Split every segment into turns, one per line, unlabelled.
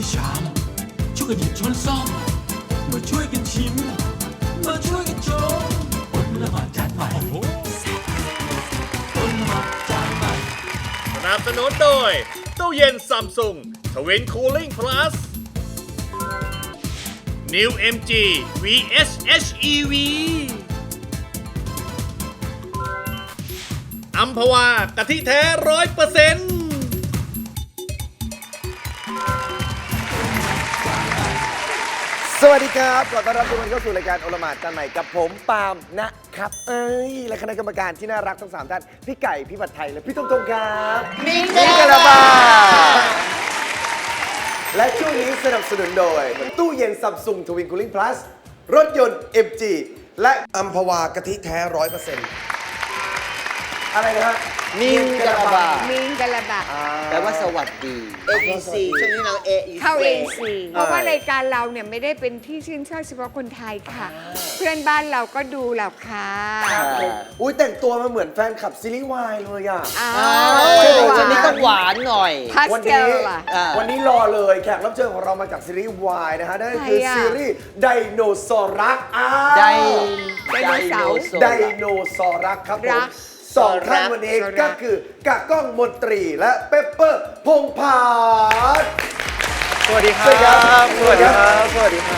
ชามช่วยกันหยิบช้อนซ่อมมาช่วยกันชิมมาช่วยกันชมอดละหมาดจานใหม่อดละหมาดจานใหม่
สนับสนุนโดยตู้เย็นซัมซุงทวินคูลิ่งพลัส New MG VS HEV อัมพวากะทิแท้100%
สวัสดีครับขอต้อนรับทุกคนเข้าสู่รายการโอละหมาดจานใหม่กับผมปาล์มนะครับและคณะกรรมการที่น่ารักทั้ง3ท่านพี่ไก่พี่ผัดไทยและพี่ตงครับมิงกะลาบาและช่วงนี้สนับสนุนโดยตู้เย็นซัมซุงทวินคูลิ่งพลัสรถยนต์ MG และอัมพวากะทิแท้ 100%อะไรนะฮะ
มิงกะลาบา
มิงกะลาบะ
แปลว่าสวัสดี
AEC ช่วงนี้เรา AEC
เข้าเองสิเพราะว่ารายการเราเนี่ยไม่ได้เป็นที่ชื่นชอบเฉพาะคนไทยค่ะ เพื่อนบ้านเราก็ดูเราค่ะ
อุ้ยแต่งตัวมาเหมือนแฟนคลับซีรีส์วายเลยอ่ะ
อ้า
วันนี้ต้องหวานหน่อย
พาส
วัน
เท
นี้
ลล่ะ
วันนี้รอเลยแขกรับเชิญของเรามาจากซีรีส์วายนะฮะนั่นก็คือ
ใครอะ
ซีรีส์ไดโนเสาร์รัก
ได
ไดโนเสาร์
ไดโนเสาร์รักครับผ
รั
ม
ก
สองท่านวันนี้
รัก
ก็คือกะก้องมนตรีและเปปเปอร์พงษ์ผาด
สวัสดีค
สวัสดีครั
รับ
สวัสดีครับ
สวัสดีครับ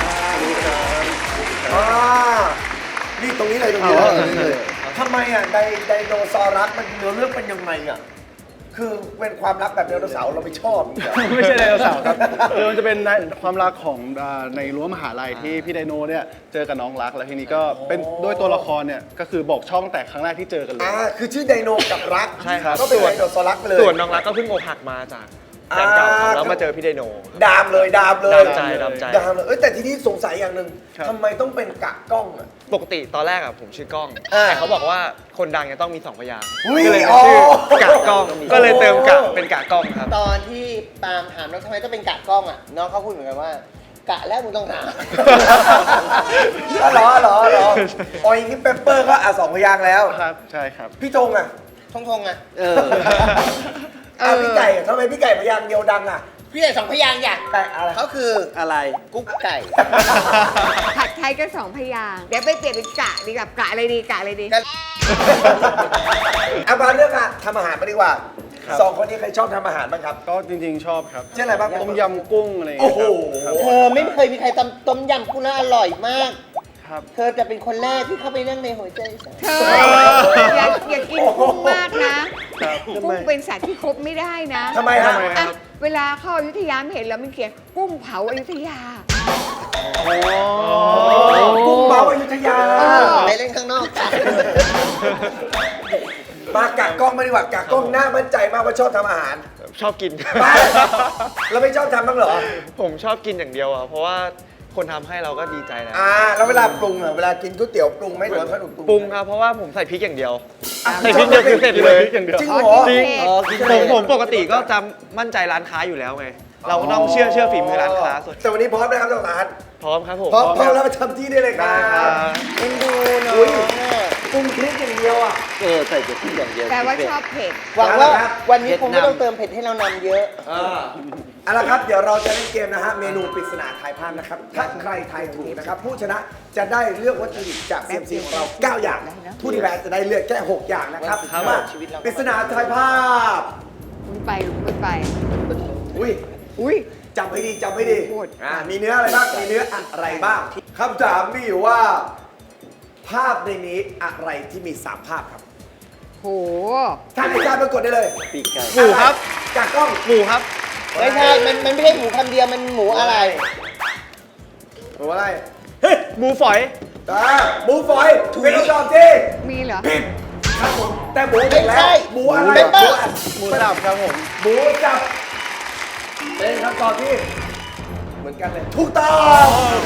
นี่ตรงนี้เลยตรงนี้เลยทำไมอ่ะไดโนเสาร์รักมันเนื้อเรื่องเป็นยังไงอ่ะคือเป็นความรักแบบไดโนเสาร์เราไม่ชอบอย่างเงี้ย
ไม่ใช่ไดโนเสาร์ครับคือมันจะเป็นความรักของในรั้วมหาลัยที่พี่ไดโนเนี่ยเจอกับน้องรักแล้วทีนี้ก็เป็นด้วยตัวละครเนี่ยก็คือบอกช่องแต่ครั้งแรกที่เจอกันเลย
คือชื่อไดโนกับรัก
ใช่ครับ
ก็เป็นไดโนเสาร์รักไปเลย
ส่วนน้องรักก็เพิ่งอกหักมาจากแฟนเก่าครับแล้วมาเจอพี่ไดโน
ดามเลย
ดามใจ
ดามเลยแต่ทีนี้สงสัยอย่างหนึ่ง
ครับ
ทำไมต้องเป็นกะกล้องอ่ะ
ปกติตอนแรกอะผมชื่อกล้อง
อ่า
แต่เขาบอกว่าคนดังจะต้องมี2 พยางค์
อุ๊ย
ก็เลยเป็นชื่อกะกล้อง ก็เลยเติมกะเป็นกะกล้องครับ
ตอนที่ปาล์มถามแล้วทำไมต้องเป็นกะกล้องอ่ะ น้องเขาพูดเหมือนกันว่า กะแล้วมึงต้องถาม
เหรออ๋ออย่างนี้เปปเปอร์ก็สองพยางค์แล้ว
ครับใช่ครับ
พี่ธงอ่ะ
ทงอ่ะ
พี่ไก่อะทำไมพี่ไก่พยางค์เดียวดังอ่ะ
พี่ใหญ่2 พยางค์อย่าง
แต่อะไร
เขาคือ
อะไร
กุ๊กไก่
ผัดไทยก็2 พยางค์เดี๋ยวไปเปลี่ยนเป็นกะดีกับกะอะไรดีกะอะไรดี
มาเรื่องอะทำอาหารไปดีกว่าสองคนนี้ใครชอบทำอาหารบ้างครับ
ก็จริงๆชอบครับ
เช่นอะไรบ้าง
ต้มยำกุ้งอะไรอย่าง
โอ้
เงี้ย
โห
ครับ
เธอไม่เคยมีใครทำต้มยำกุ้งแล้วอร่อยมาก
ครับ
เธอจะเป็นคนแรกที่เข้าไปนั่งในหัวใจฉัน
เธออย่ากินกุ้งมากนะกุ้งเป็นสัตว์ที่คบไม่ได้นะ
ทำไมฮะ
อ่ะเวลาเข้าอยุธยาไม่เห็นแล้วมันเขียนกุ้งเผาอยุธยา
กุ้งเมาอยุธยา
ไปเล่นข้างนอกกัน
มากะกล้องมาดีกว่ากะกล้องหน้ามั่นใจมากว่าชอบทำอาหาร
ชอบกิน
บ้าเราไม่ชอบทำบ้างเหรอ
ผมชอบกินอย่างเดียวอะเพราะว่าคนทำให้เราก็ดีใจแล้ว
แล้วเวลาปรุงอะเวลากินก๋วยเตี๋ยวปรุงไหมหรือว่าขนม
ปรุงครับเพราะว่าผมใส่พริกอย่างเดียว
อ่ะ
ใส่พริกเดียวคือเสร็จเลย
อย่างเดียว
จริงเหรอ
จริง
อ๋อ
ผมปกติก็จะมั่นใจร้านค้าอยู่แล้วไง เราก็ต้องเชื่อฝีมือร้านค้าส่วน
แต่วันนี้พร้อมนะครับท่านประธาน
พร้อมครับผม
พร้อมแล้วมาทำที่ได้เลยครั
ได้ครับ บ
เอ็นดูเนา
อุ้ย
ะ
ปรุงพริกอย่างเดียวอ่ะ
ใส่แต่พริกอย่างเดียว
แปลว่าชอบเผ็ด
หวังว่า
ครับ
วันนี้คงไม่ต้องเติมเผ็ดให้เรานำเยอะ
เอาละครับเดี๋ยวเราจะเล่นเกมนะฮะเมนูปริศนาทายภาพนะครับถ้าใครทายถูกนะครับผู้ชนะจะได้เลือกวัตถุดิบจากเซียมซีของเรา 9 อย่าง ผู้ที่แพ้จะได้เลือกแค่ 6 อย่างนะครับมาปริศนาทายภาพ
คุณไปคุณไป
อุ้ย
อุ้ย
จำให้ดีจำให้ดี
พูด
มีเนื้ออะไรบ้างมีเนื้ออะไรบ้างคำถามมีอยู่ว่า ภาพในนี้อะไรที่มี 3 ภาพครับ
โห
ท่านอาจารย์ปรากฏได้เลย
ปีกไก่
หมูครับ
จากกล้อง
หมูครับ
ไม่ใช่ มันไม่ใช่หมูคำเดียว มันหมูอะไร
หมูอะไร
หมูฝอย
หมูฝอยเป็นคำตอบที่
มีเหรอ
ผิดครับผมแต่หมูถูกแล้
ไม่ใช่
วหมูอะไร
เปปเปอร์
หมูสับครับผม
หมูจับเป็นคำตอบที่เหมือนกันเลยถูกต้อง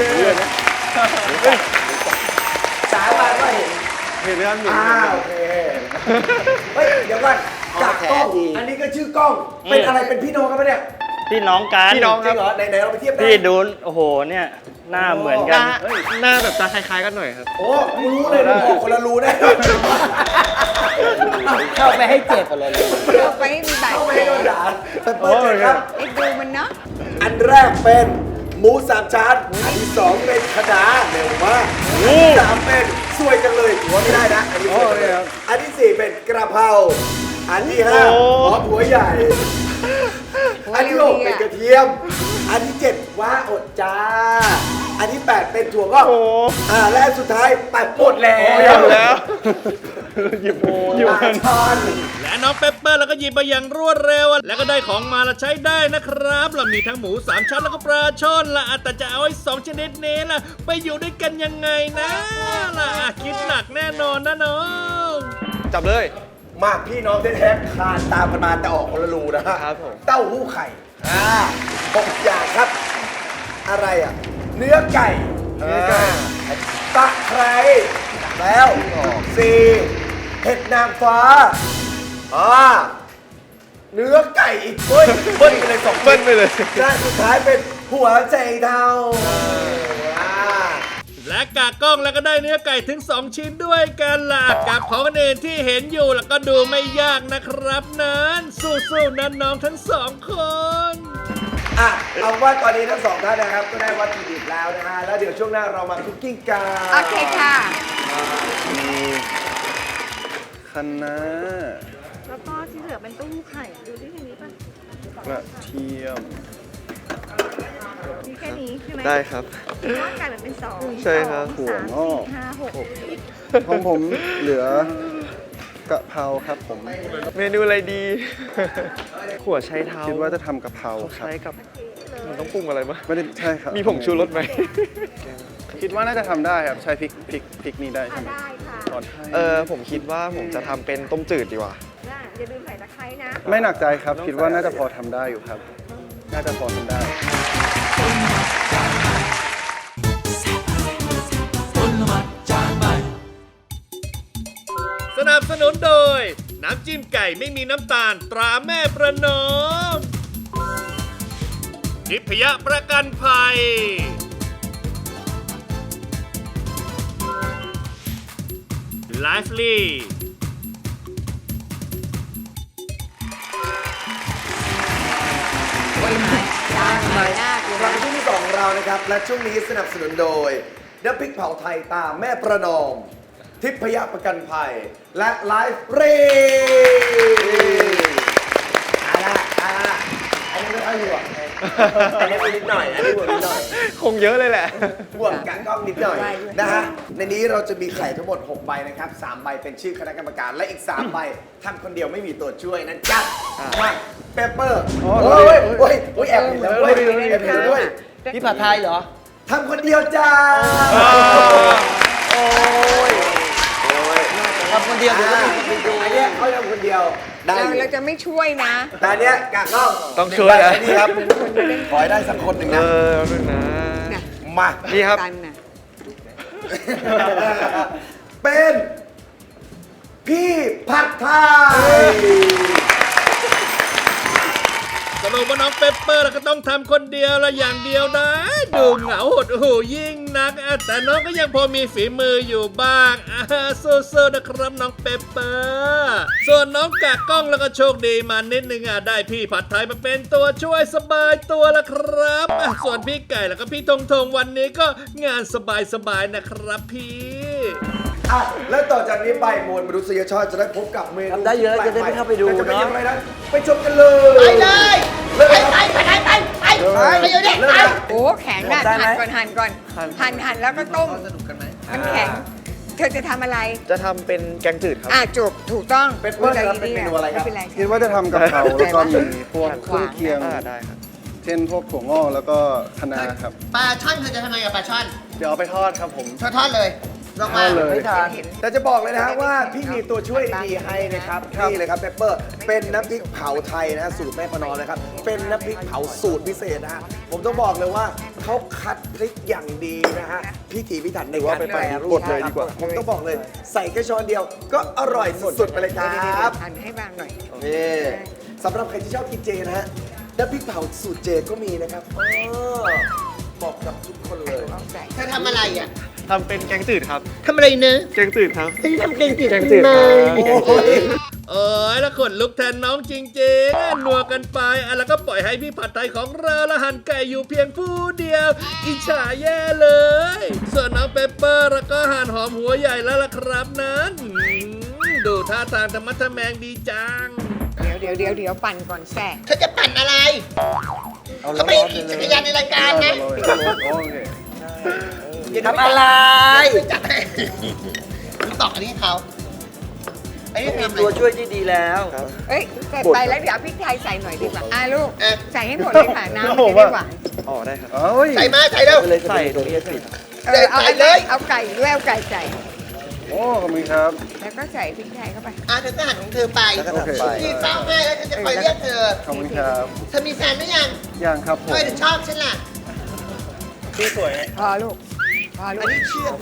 สาบานว่าเห็น
เห็นไหมครับ
โอเคเฮ้ยเดี๋ยวก่อนจากกล้องอันนี้ก็ชื่อกล้องเป็นอะไรเป็นพี่น้องกันปะเนี่ย
พี่น้องกัน
พี่น้อง
จริงเหรอไหนๆเราไปเทียบได้
พี่ดูโอ้โหเนี่ยหน้าเหมือนกัน
หน้าแบบจะคล้ายๆกันหน่อยครับ
โอ้รู้เลยนะบอกคนละรู้แน่
เข้าไปให้เจ็บ
คนละเลย
เราไปให้มีบาด
เข้าไปให้โดนด่าเปิดเจอครับ
ไอ้ดูมันเนาะ
อันแรกเป็นหมูสามชั้นอันที่สองเป็นคะน้าเร็วมากอันที่สามเป็นสวยจังเลยหัวไม่ได้นะอันนี้สวยจังเลยอันที่สี่เป็นกระเพราอันที่ห้าหอมหัวใหญ่ อันที่หกเป็นกระเทียม อันที่เจ็ดว่าอดจ้า อันที่แปดเป็นถั่วงอกและอันสุดท้ายปัดหมดแล้ว
หยิบ
ช้อน
และน้องเปปเปอร์แล้วก็หยิบมาอย่างรวดเร็ว แล้วก็ได้ของมาแล้วใช้ได้นะครับเรามีทั้งหมู3ชั้นแล้วก็ปลาช่อนละแต่จะเอาไอ้2ชนิดนี้ล่ะไปอยู่ด้วยกันยังไงนะล่ะคิดหนักแน่นอนนะน้อง
จับเลย
มาพี่น้องแท้ๆคลานตามกันมาแต่ออกคนละรูนะฮะ
ครับผม
เต้าหู้ไข่6อย่างครับ อะไรอ่ะ เนื้อไก่ตะไคร้แล้ว4เห็ดนางฟ้าเนื้อไก่อีกเบิ้ลไปเลย2
เบิ้ลไปเลย
และสุดท้ายเป็นหัวใจเทา
และกากกล้องแล้วก็ได้เนื้อไก่ถึง2ชิ้นด้วยกันล่ะกับของอื่นที่เห็นอยู่แล้วก็ดูไม่ยากนะครับนั้นสู้ๆนะน้องทั้ง2คน
เอาว่าตอนนี้ทั้งสองท่านนะครับก็ได้วัตถุดิบแล้วนะฮะแล้วเดี๋ยวช่วงหน้าเรามาคุกกิ้งกัน
โอเคค่ะ
คะน้า
แล้วก็ที่เหลือเป็นเตู้ไข่ ดูที่นี้ป่ะ
กระเทียม
มีแค่นี้ใช่ไหม
ได้ครับ
ร่างกายมันเป็น2
ใช่ครับ
2 3 4 5 6
ของผมเหลือกะเพราครับผม
เมนูอะไรดี ขั่วไชเท้า
คิดว่าจะทำกะเพราครับ
ใช้กับมันต้องปรุงอะไรบ้าง
ไม่ได้ใช่ครับ
มีผงชูรสไหม
คิดว่าน่าจะทำได้ครับ ใช้พริกนี้ได้ใช่ไหม
ได้ค่ะ
ตอนให้
ผมคิดว่าผมจะทำเป็นต้มจืดดีกว่า
อย่าลืมใส่ตะไคร้นะ
ไม่หนักใจครับ คิดว่าน่าจะพอทำได้อยู่ครับ น่าจะพอทำได้
สนับสนุนโดย น้ำจิ้มไก่ไม่มีน้ำตาลตราแม่ประนอมทิพยประกันภัย ไลฟ์ลี
ครั้งที่2ของเรานะครับ และช่วงนี้สนับสนุนโดยน้ำพริกเผาไทยตามแม่ประนอม ทิพยประกันภัย และไลฟ์เรอันนี้ไม่ค่อยห่วงอันนี้นิดหน่อย อันนี้ห่วงนิดหน่อย
คงเยอะเลยแหละ
ห่วงกะกล้องนิดหน่อยนะฮะ ในนี้เราจะมีไข่ทั้งหมด6ใบนะครับ3ใบเป็นชื่อคณะกรรมการ และอีก3ใบทำคนเดียวไม่มีตัวช่วยนะจ๊ะมาเปเปอร์โอ้ยแอบเห็นแล้วด้วยแอบเห็นแล้วด้วย
พี่ผัดไทยเหรอ
ทำคนเดียวจ้า
โอ้ยทำคนเดียวเดี๋ยวก็มีคนไปดู
อันเนี้ยเขาทำคนเดียวได้อยู่
เราจะไม่ช่วยนะ
แต่อันเนี้ยกะกล้อง
ต้องช่วยนะ
นี่ครับขอให้ได้สักคนหนึ่งนะ
นึงนะ
มา
นี่ครับ
กันน่ะ
เป็นพี่ผัดไทย
สรุปว่าน้องเปปเปอร์แล้วก็ต้องทำคนเดียวละอย่างเดียวนะดูเหงาหดหูยิ่งนักแต่น้องก็ยังพอมีฝีมืออยู่บ้างสู้ๆนะครับน้องเปปเปอร์ส่วนน้องกากกล้องแล้วก็โชคดีมานิดนึงได้พี่ผัดไทยมาเป็นตัวช่วยสบายตัวละครับส่วนพี่ไก่แล้วก็พี่ทงวันนี้ก็งานสบายๆนะครับพี่
แล้วต่อจากนี้ไปมวลมนุษยชาติจะได้พบกับเมนู
ทำได้เยอะจะได้ไม่เข้าไปดู
แต่จะเป็น
เนอะ
อย่างไรนั้นไปชมกันเลย
ไปเลย
ไป
ไปอยู่เนี่ย
เริ่ม
ไป
นะ
โอ้แข็งอ่ะหั่นก่อนหั่นแล้วก็ต้มมันแข็ง เธอจะทำอะไร
จะทำเป็นแกงจืดครับ
จบถูกต้อง
เป็นเพื่อนครับเป็นเมนูอะไรครับ
ม่เป็นไร
คิดว่าจะทำกะเพราแล้วก็มีพวกเครื่องเคียง
ได้ครับ
เช่นพวกถั่วงอกแล้วก็คะน้าครับ
ปลาช่อนเธอจะทำไงกับปลาช่อน
เดี๋ยวเอาไปทอดครับผม
ทอดเลยลงมา
ทอดเลย
แต่จะบอกเลยนะฮะว่าพี่มีตัวช่วยดีๆให้นะครับนี่เลยครับเปปเปอร์เป็นน้ำพริกเผาไทยนะฮะสูตรแม่ประนอมนะครับเป็นน้ำพริกเผาสูตรพิเศษนะฮะผมต้องบอกเลยว่าเขาคัดพริกอย่างดีนะฮะพิถีพิถันในการแปรรูป
กดเลยดีกว่า
ผมต้องบอกเลยใส่แค่ช้อนเดียวก็อร่อยสุดๆไปเลยครับ
หั่นให้บางหน่อย
นี่สำหรับใครที่ชอบกินเจนะฮะน้ำพริกเผาสูตรเจก็มีนะครับเหมาะกับทุกคนเลย
เธอทำอะไรอ่ะ
ทำเป็นแกงจืดครับ
ทำอะไรเนอะ
แกงจืดครับ
เธอทำเก่งจริง
แกงจืดครับ
โอ้ย
โอ้ยแล้วขนลุกแทนน้องจริงๆนัวกันไปแล้วก็ปล่อยให้พี่ผัดไทยของเราละหั่นไก่อยู่เพียงผู้เดียวอิจฉาแย่เลยส่วนน้องเปปเปอร์แล้วก็หั่นหอมหัวใหญ่แล้วล่ะครับนั้นดูท่าทางธรรมะทะแมงดีจัง
เดี๋ยวปั่นก่อนแซ่
เธอจะปั่นอะไรเขาไม่ขี่จักรยานในรายการนะ
โอเค
ทำอะไรไม่จัดให้มึงตอกอันนี้ให้เขาอันนี้ทำอะไร
ตัวช่วยที่ดีแล้ว
เอ้ยเสร็จไปแล้วเดี๋ยวพริกไทยใส่หน่อยดีกว่าลูกใส่ให้หมดเลยค่ะน้ำมันจะได้หวาน
อ๋อได้ครับ
ใส่มาใส่เร็ว
เลย
ใส่
ตรงนี้สิ
เอา
ใส่เลย
เอาไก่ด้วยเอาไก่ใส่
โอ้ขอบคุณครับ
แล้วก็ใส่พริกไทยเข้าไป
เธอก็หันของเธอไป
แล้วก็ทำไป
พี่เฝ้าให้แล้วฉันจะคอยเรียกเธอ
ขอบคุณครับ
เธอมีแฟนหรือยัง
ยังครับผม
ทำไมถึงชอบฉันล่ะ
พี่สวย
พอลูก
อันนี้เชื่อ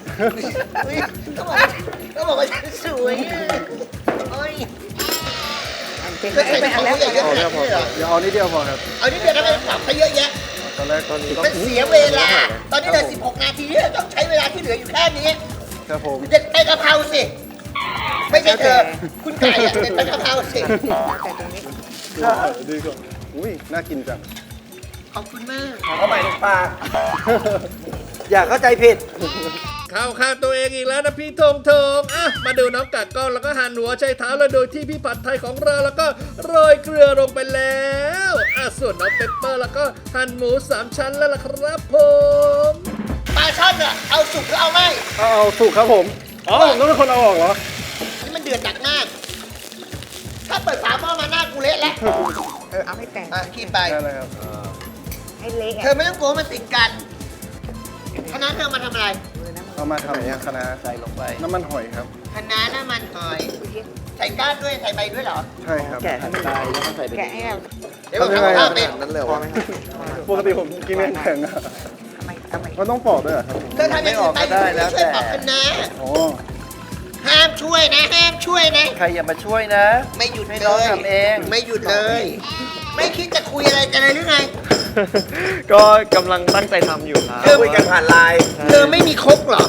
ต้องบอกว่าฉันสวยอ่ะโอ้ย
เป็น
เธอใส่
ไป
ของ
แล้ว
เขาเยอะๆขนาดนี้เหรอ
เดี๋ยวเอานิดเดียวพอครับ
เอานี่เดี๋ยวทำไมปรับเขาเยอะแยะ
ตอนแรกตอนนี้
มันเสียเวลา ตอนนี้เหลือ16 นาทีที่เราต้องใช้เวลาที่เหลืออยู่แค่นี้
ครับผม
เด็ดไปกะเพราสิ ไม่ใช่เธอ คุณไก่อะเด็ดไปกะเพราสิ
แต่ตรงนี้
ดีกว่าอุ้ยน่ากินจัง
ขอบคุณมาก
เข้าไปในปาก
อย่าเข้าใจผิด
เข้าข้างตัวเองอีกแล้วนะพี่ธงมาดูน้องกากกล้องแล้วก็หั่นหัวใช้เท้าแล้วโดยที่พี่ผัดไทยของเราแล้วก็โรยเกลือลงไปแล้วส่วนน้องเปปเปอร์แล้วก็หั่นหมู3 ชั้นแล้วล่ะครับผม
ปลาช่อนอะเอาสุกหรือเอาไม่
เอาสุกครับผมอ๋อผมต้องเป็นคนเอาออกเหรอ
นี่มันเดือดหนักมาก ถ้าเปิดฝาหม้อมาหน้ากูเละแล้ว
เอาให้แตก
ขีดไป
ได้เลยครับ
ให้เละ
เธอไม่ต้องกลัวมันติดกันคณะเธอมาทำอะไร
เอามาทำคณะ
ใส่ลงไป
น้ำมันหอยครับ
คณะน้ำมันหอย ใส่ก้านด้วย ใส่ใบด้วยเหรอ
ใช่ครับ
แกะให้มันตายแล้วก็ใส่ไป
แกะให้เรา
เดี๋ยวผมทำข้าวเป็น
นั้นเลยวะ
ปกติผมกินแข็งๆอะ
เอาไป
มันต้องปอกด้วยเหรอครับ
เธอทำอย่างอื่นไปช่วยปรับคณะ
อ๋อ
ห้ามช่วยนะ ห้ามช่วยนะ
ใครอย่ามาช่วยนะ
ไม่หยุด
ให้
เล
น้อง
ย
ทำเอง
ไม่หยุดเลย ไม่คิดจะคุยอะไรกันเลยหรือไง
ก็กำลังตั้งใจทำอยู่ครับ
คุยกันผ่านไลน์
เธอไม่มีครกเหรอ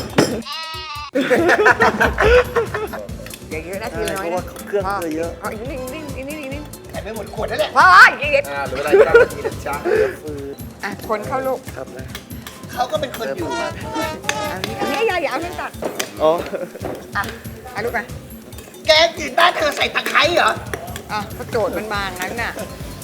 อย่าเยอะนะทีน้อย
เพราะว่าเครื่องเธอเยอะ
เอาอีกนิดนึง
ใส่ไปหมดขวดนั่นแหละ
พออีกนิด
หรือเวลา9 นาทีนะจ๊ะ
คนเข้าลูก
ครับนะ
เขาก็เป็นคนอยู่
อันนี้อย่าเอาให้ตัด
อ๋อ
เอาลูกไป
แกตื่นบ้านเธอใส่ตะไคร้เหรอ
ก็โจทย์มันบางนั้นน่ะ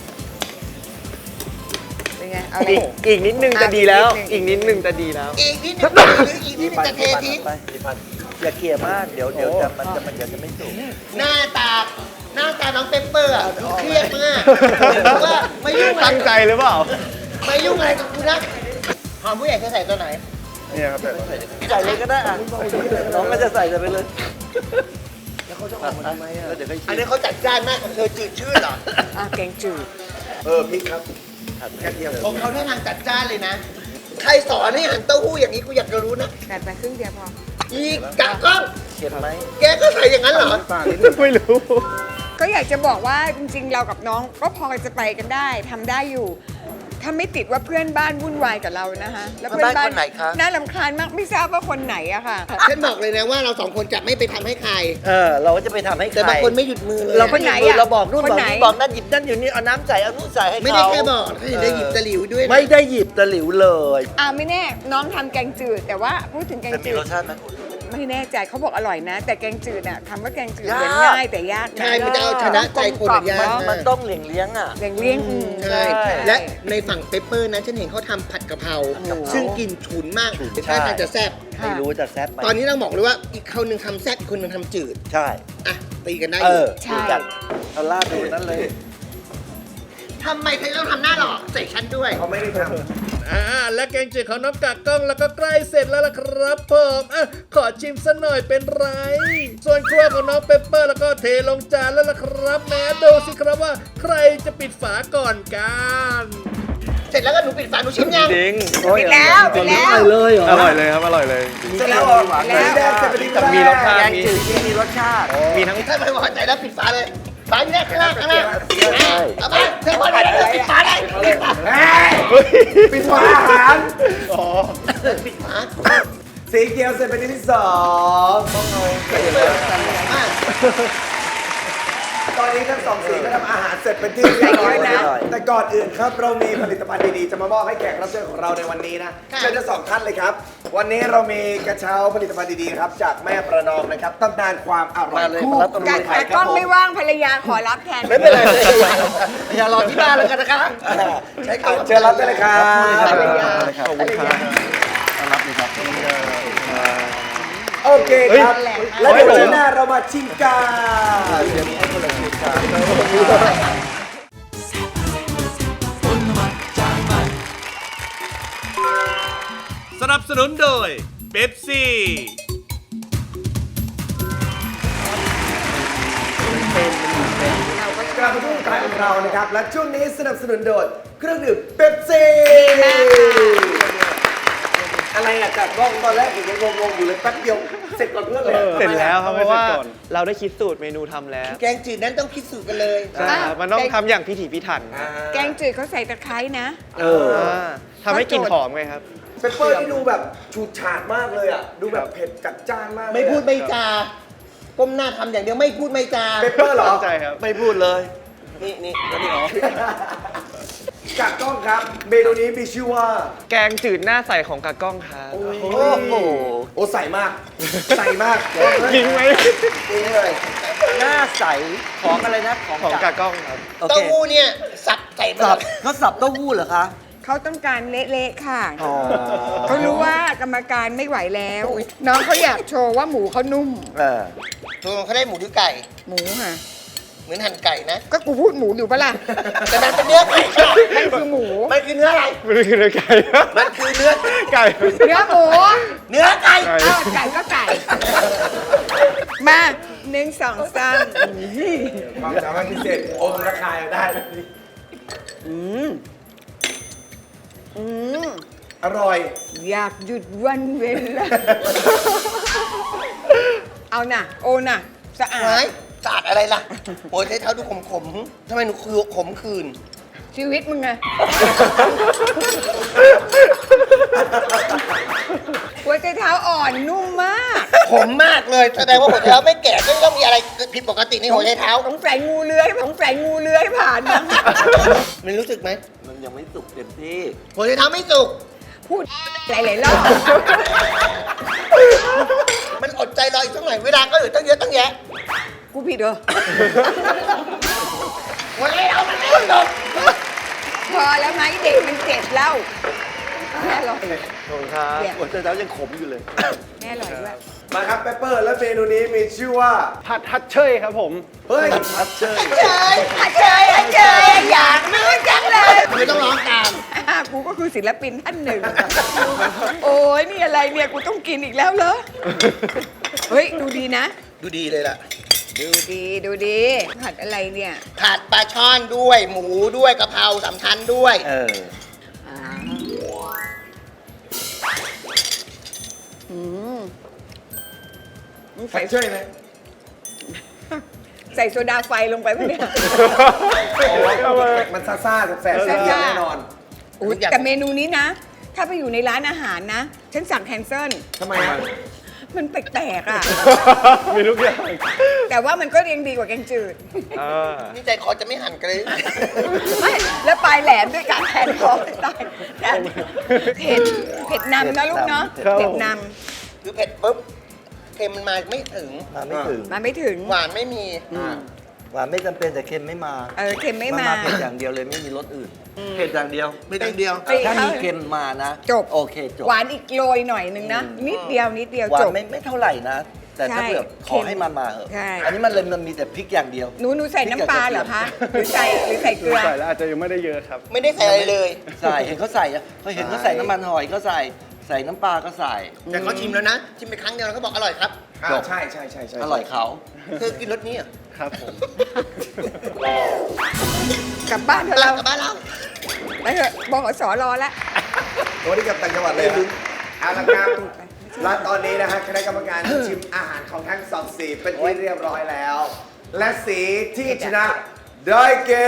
เป็นไงเอาอะไร
อีกนิดนึงจะดีแล้ว
อี
อี
ก
ก
นิ
นิ
ด
ด
นึ
นึ
ง
งจะดีแล้ว
อีกนิดนึงหรืออีกนิดนึงจะเททิ้ง
ไปอย่าเกลี่ยมาก เดี๋ยวจะไม่สุก
หน้าตาน้องเปปเปอร์อะดูเครียดมากเพราะว่าไม่ยุ่งอะไร
ตั้งใจหรือเปล่า
ไม่ยุ่งอะไรกับกูนะหอมผู้ใหญ่เธอใส่ตัวไหน
เนี่ยครับแต่
ใส่เลยก็ได้อ่ะน้องก็จะใส่ไปเลยแล้วเขาจะออกมาทำไมอ่ะแล้วเดี๋ยวก็
อันนี้เขาจัดจ้านมากของเธอจืดชืดเหรอ
แกงจืด
พริกครับแค่เดียว
ของเขาได้ทางจัดจ้านเลยนะ ใครสอนให้หั่นเต้าหู้อย่างนี้กูอยากจะรู้นะ
กัดไปครึ่งเดียวพอ
อีกกักกล้อง
เข็ดไหม
แกก็ใส่อย่างนั้นเหรอ
ป่านิดนึงไม่รู้
ก็อยากจะบอกว่าจริงๆ เรากับน้องก็พอจะไปกันได้ทำได้อยู่ ถ้าไม่ติดว่าเพื่อนบ้านวุ่นวายกับเรานะคะแล้วเพื่อนบ้านน่ารำคาญมากไม่ทราบว่าคนไหนอะค่ะ
ฉันบอกเลยนะว่าเราสองคนจะไม่ไปทำให้ใคร
เราก็จะไปทำให้ใคร
แต่บางคนไม่หยุดมือเลย
เราไม่หยุดมือเราบอกนู่น
คน
บอก
ไหน
นี่บอกนั่นหยิบนั่นอยู่นี่เอาน้ำใส่เอานู่นใส่ให้เขา
ไม่ได้แค่บอกเขายังได้หยิบตะหลิวด้วยนะ
ไม่ได้หยิบตะหลิวเลย
ไม่แน่น้องทำแกงจืด แต่ว่าพูดถึงแกง
จะมี
จื
ร
ด
สชาติไหมคุณ
ไม่แน่ใจเขาบอกอร่อยนะ แต่แกงจืดอะคำว่าแกงจืด
ยาก
เหมือนง่ายแต่ยากนะ
ใช่มันจะเอาชนะใจคนอะยาก
มันต้องเลี้ยงอ่ะ
เลี้ยง
ใช่
ใช่
และในฝั่งเปปเปอร์นะฉันเห็นเขาทำผัดกะเพราซึ่งกลิ่นฉุนมาก
ฉุน
ท่าทางจะแซ่บ
ไม่รู้จะแซ่บไหม
ตอนนี้ต้องบอกเลยว่าอีกคนหนึ่งทำแซ่บอีกคนหนึ่งทำจืด
ใช่
อ่ะตีกันได้อ
เอยู่ ดูกันเอาลาดดูนั่นเลย
ทำไมเธอต้องทำหน้าหล่อใส่ฉันด้วย
เขาไม่ได้ทำ
และแกงจืดของน้องกากกล้องแล้วก็ใกล้เสร็จแล้วล่ะครับผมขอชิมสัหน่อยเป็นไร ส่วนครัวของน้องเปปเปอร์แล้วก็เทลงจานแล้วล่ะครับแม้ดูสิครับว่าใครจะปิดฝาก่อนกัน
เสร็จแล้วก็หนูปิดฝาหนูชิมยัง
จริง
ไปแล้วไปแล้ว
เลยเหรอ
อร่อยเลยครับ อร่อยเลย
เสร็จแล้วเหรอสีแดงจะเป็น
แต่มีรสชาติ
แกงจืดที่มีรสชาติ
มีทั้ง
ถ้าไม่พอใจแล้วปิดฝาเลยฝาอยู่ด้านข้างล่างข้างล่างเอาไปเธอพอใจแล้วปิดฝาได้ปิดฝา
ปิดฝาอาหาร
ปิดฝา
สีเขียวเสร็จเป็นที่2ต้องเอา
มาก
ตอนนี้ทั้งสองสีก็ทำอาหารเสร็จเป็นที่เรียบร้อยแล้วแต่ก่อนอื่นครับเรามีผลิตภัณฑ์ดีๆจะมามอบให้แขกรับเชิญของเราในวันนี้นะเชิญทั้งสองท่านเลยครับวันนี้เรามีกระเช้าผลิตภัณฑ์ดีๆครับจากแม่ประนอมนะครับตำนานความอร่อยคู่
การกล้องไม่ว่างภรรยาขอรับแทน
ไม่เป็นไรอย่ารอที่บ้านแล้วกันนะคะใช้คำ
เชิญรับได้เลยครับ
ขอบคุณครับรับเลยครับ
โอเคครับ แล้วเดี๋ยวช่วงหน้าเรามาชิมกัน
สนับสนุนโดยเป๊ปซี่
กลับมาที่รายของเรานะครับ และช่วงนี้สนับสนุนโดยเครื่องดื่มเป๊ปซี่อะไรอะจากกล้องตอนแรกยังงงๆอยู่เลยแป๊บเดียวเสร็จก่อนเพื่อนเลย
เสร็จแล้วครับเพราะว่าเราได้คิดสูตรเมนูทำแล้ว
แกงจืดนั้นต้องพิสูจน์กันเลย
ใช่ครับมันต้องทำอย่างพิถีพิถัน
แกงจืดเขาใส่ตะไคร้นะ
ทำให้กลิ่นหอมไงครับ
เปปเปอร์ที่ดูแบบฉูดฉาดมากเลยอ่ะ ดูแบบเผ็ดจัดจ้านมากเลย
ไม่พูดไม่จาก้มหน้าทำอย่างเดียวไม่พูดไม่จา
เปปเปอร์เหรอ
ใช่ครับ
ไม่พูดเลย
นี่แล้วนี่อ๋อ
จากกล้องครับ เมนูนี้มีชื่อว่า
แกงจืดหน้าใสของกากล้องครับ
โอ้
โอ้โห
โอ้ใส่มาก ใส่มาก
จริงไหม
นี่เลย
หน้าใสของอะไรนะ
ของกากล้องครับ
โอ
เต้า
เค
หู้เนี่ยสับใส่มา
สับเขาสับเต้าหู้เหรอคะ
เขาต้องการเละๆค่ะ
อ๋อ
เขารู้ว่ากรรมการไม่ไหวแล้ว น้องเขาอยากโชว์ว่าหมูเขานุ่ม
ตัวเขาได้หมูหรือไก่
หมูค่ะ
เหมือนหั่นไก่นะ
ก็กูพูดหมูอยู่ปะล่ะ
แต่มันเป็นเนื้อไก่ค่ะ
มันคือหมู
มันคือเนื้ออะไร
ไม่ได้คือเนื้อไก่
มันคือเนื้อ
ไก่
เนื้อหมู
เนื้อไก่
เอ้าไก่ก็ไก่ มาหนึ่งสองสาม
ความสามารถพิเศษอมระคายได้ อร่อย
อยากหยุดวันเวลา เอาน่ะ โอน่ะ สะอา
หา
ด
ยสะอาดอะไรล่ะโอ้ยใช้เท้าดูขมๆทำไมหนูคือขมคืน
ชีวิตมึงไง หัวใจเท้าอ่อนนุ่มมาก
ขมมากเลยแสดงว่าหัวใจเท้าไม่แก่ต้องมีอะไรผิดปกติในหัวใจเท้า
สงสัยงูเลื้อยสงสัยงูเลื้อยผ่านมา
มันรู้สึกไหม
มันยังไม่สุกเต็มที่
หัวใจเท้าไม่สุก
พูดหลายๆรอบ
มันอดใจรออีกสักหน่อยเวลาก็เหลือตั้งเยอะตั้งแยะ
กูผิดเหรอ
หัวใจเท้ามันไม่สุก
พอแล้วไหมเด็กมันเจ็บแล้วแม่อร่อย
ขอบคุณครับ
หัวใจเท้ายังขมอยู่เลย
แม่อร่อยด้วย
มาครับเปปเปอร์ และเมนูนี้มีชื่อว่า
ผัดฮัทเชยครับผม
เฮ้ย
พัดเชย
เจยอยากรู้จังเลย
ไม่ต้องร้องตาม
กูก็คือศิลปินท่านหนึ่ง โอ้ยนี่อะไรเนี่ย กูต้องกินอีกแล้วเหรอ เฮ้ย ดูดีนะ
ดูดีเลยล่ะ
ดูดีดูดี ผัดอะไรเนี่ย
ผัดปลาช่อนด้วยหมูด้วยกะเพราสำคัญด้วย
อ่าอืมมึง
ใส่
ใส่
ช่วยไหม
ใส่โซดาไฟลงไปไหมเนี่ย
มันซ่าๆแสบๆเสียงแน่นอน
อุ๊ยแต่เมนูนี้นะ ถ้าไปอยู่ในร้านอาหารนะ ฉันสั่งแคนเซิล
ทำไมอ่ะ
มันแปลกๆอ่ะ
มีทุกอย่าง
แต่ว่ามันก็ยังดีกว่าแกงจืด
นี่ใจคอจะไม่หั่นกันเลย
ไม่ แล้วปลายแหลมด้วยการแทนคอตายแต่เผ็ดนำนะลูกเนาะ
ครับ
เผ็ดน
คือเผ็ดปุ๊บเค็มมันมาไม่ถึง
มาไม่ถึง
ำมาไม่ถึง
หวานไม่มี
หวานไม่จำเป็นแต่เค็มไม่มา
เค็มไม่มา
เผ็ดอย่างเดียวเลยไม่มีรสอื่น เผ็ดอย่างเดียว
ไม่ต้องเดียว
ถ้ามีเค็มมานะ
จบ
โอเคจบ
หวานอีกโรยหน่อยนึงนะ นิดเดียวนิดเดียว
หวา
จ
น
บ
ไม่เท่าไหร่นะ แต่ถ้า
ใช่
เผื่อขอให้มาเหอะ
ใช่
อันนี้มันมีแต่พริกอย่างเดียว
หนูใส่น้ำปลาเหรอคะ หรือใส่เกลือ
ใส่แล้วอาจจะยังไม่ได้เยอะครับ
ไม่ได้ใส่อะไรเลย
ใส่เห็นเขาใส่อะเขาเห็นเขาใส่น้ำมันหอยก็ใส่น้ำปลาก็ใส่
แต่เขาชิมแล้วนะ ชิมไปครั้งเดียวแล้วก็บอกอร่อยครับ
จบ
ใช่
อร่อยเขา
คือกินรสนี้เหรอ
ครับผม
กลับบ้านเถอะ
เรา
เรา
กลับบ้านเรา
ไปเถอะบขสรอแล้ว
วันนี้กลับต่างจังหวัดเลยครับเอาละครับและตอนนี้นะฮะคณะกรรมการชิมอาหารของทั้งสองสีเป็นที่เรียบร้อยแล้ว และสีที่ชนะได้แก่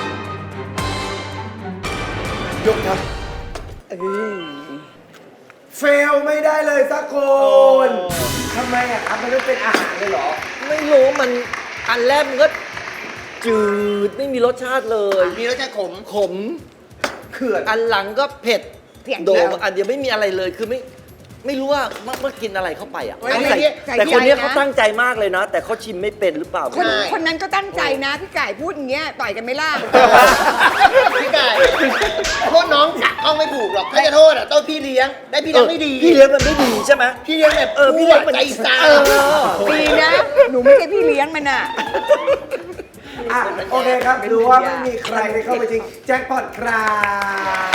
ยกครับเฟลไม่ได้เลยสักคนทำไมอ่ะครับมันไม่เป็นอาหารเลยเหรอ
ไม่รู้มันอันแรกมันก็จืดไม่มีรสชาติเลย
มีรสชาติขม
ขม
เขื่อน
อันหลังก็เผ็ด
เผ็ด
โด
แล้
ด
ว
อันเดียวไม่มีอะไรเลยคือไม่รู้ว่ามันกินอะไรเข้าไปอ่ะ
เฮ้ย
แต่
ใส่
แต่คนเนี้ย
ใจนะ
เขาตั้งใจมากเลยนะ แต่เขาชิมไม่เป็นหรือเปล่า
คนนั้นก็ตั้งใจนะพี่ไก่พูดอย่างเงี้ยต่อยกันไม่ล่า
พี่ไก่โทษน้องกะต้องไม่ถูกหรอกถ้าจะโทษอ่ะต้องพี่เลี้ยง ได้พี่เลี้ยงไม่ดี
พี่เลี้ยงมันไม่ดีใช่ไหม
พี่เลี้ยงแบบ
พี่เลี้ยงมัน
ใจซา
ดีนะ หนูไม่ใช่พี่เลี้ยงมันอ่ะ
อ่ะโอเคครับดูว่าไม่มีใครได้เข้าไปจริงแจ็คพอตครับ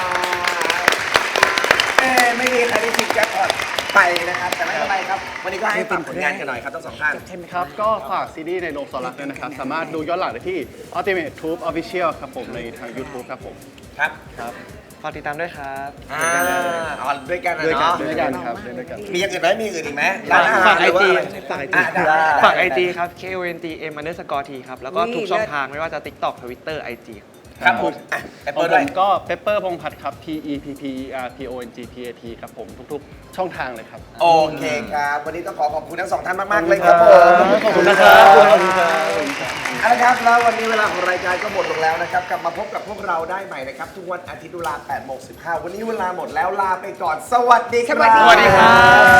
ไม่มีใครได้จริงแจ็คพอตไปนะครับแต่ไม่เป็นไรครับวันนี้ก็ให้ฝากผลงานกันหน่อยครับทั้งสองท่าน
ครับก็ฝากซีรีส์ในโนซอลักด้วยนะครับ สามารถดูย้อนหลังได้ที่ Ultimate Troop Official ครับผมในทาง YouTube ครับผม
ครับ
ครับ
ฝากติดตามด้วยครับ
อ๋อด้วยกันนะ
ด้วยกัน
เนาะ
ด้วยกันครับด้วยกัน
มีอย่างอื่นไหมมีอื่นอีกไหมร้านอาหาร
ฝาก
หรือว่า
IG
อะไร
ฝาก IG
อ่ะได้
ฝาก IG ครับ KONTM_T ครับ แล้วก็ทุกช่องทางไม่ว่าจะ TikTok Twitter IG
ครับผมอ่ะแอป
ข
เปิ
อง
ล
ผ
ด้วย
มก็เปปเปอร์พงษ์พัฒน์ครับ PEPPERPONGPAT ครับผมทุกๆช่องทางเลยครับ
โอเคครับ วันนี้ต้องขอบคุณทั้งสองท่านมาก ๆ เลยครับผม
ขอบคุณนะครับขอบคุณครับ
เอาละครับแล้ววันนี้เวลาของรายการก็หมดลงแล้วนะครับ กลับมาพบกับพวกเราได้ใหม่นะครับ ทุกวันอาทิตย์เวลา 8:15 วันนี้เวลาหมดแล้วลาไปก่อน สวัสดีครับ
สวัสดีครับ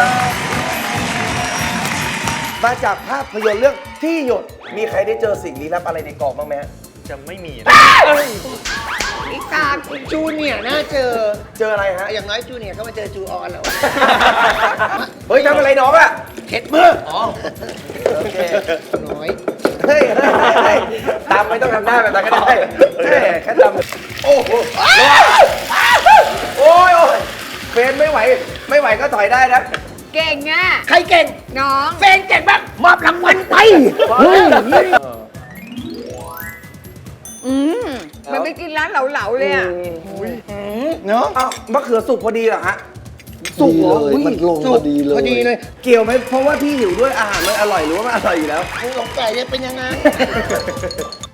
มาจากภาพยนตร์เรื่องที่หยด มีใครได้เจอสิ่งลี้ลับอะไรในกองบ้างไหมฮะ
จะไม่มี
อีกตาม
จูเนียร์น่าเจอ
เจออะไรฮะ
อย่างน้อยจูเนียร์ก็มาเจอจูออนแล้ว
เฮ้ยทำอะไรน้องอะเข็ดมือ อ๋อ โอเค
น้อย
เฮ้ยตามไม่ต้องทำหน้าแบบนั้นก็ได้เฮ้ยแค่ทำโอ้โหโอ้ยเฟนไม่ไหว ไม่ไหวก็ถอยได้นะ
เก่งอ่ะ
ใครเก่ง
น้อง
เฟนเก่งมากมอบรางวัลไป
มันไปกินร้านเหลาๆเลยอ่ะ
เนาะอ้าวมะเขือสุกพอดีเหรอฮะ สุกเหรออุ๊ย
มันลงพอดีเลย
พอดีเลย
เกี่ยวไหมเพราะว่าพี่หิวด้วยอาหารมันอร่อยหรือว่ามันอร่อยอยู่แล้ว
กูสงสัยจะเป็นยังไง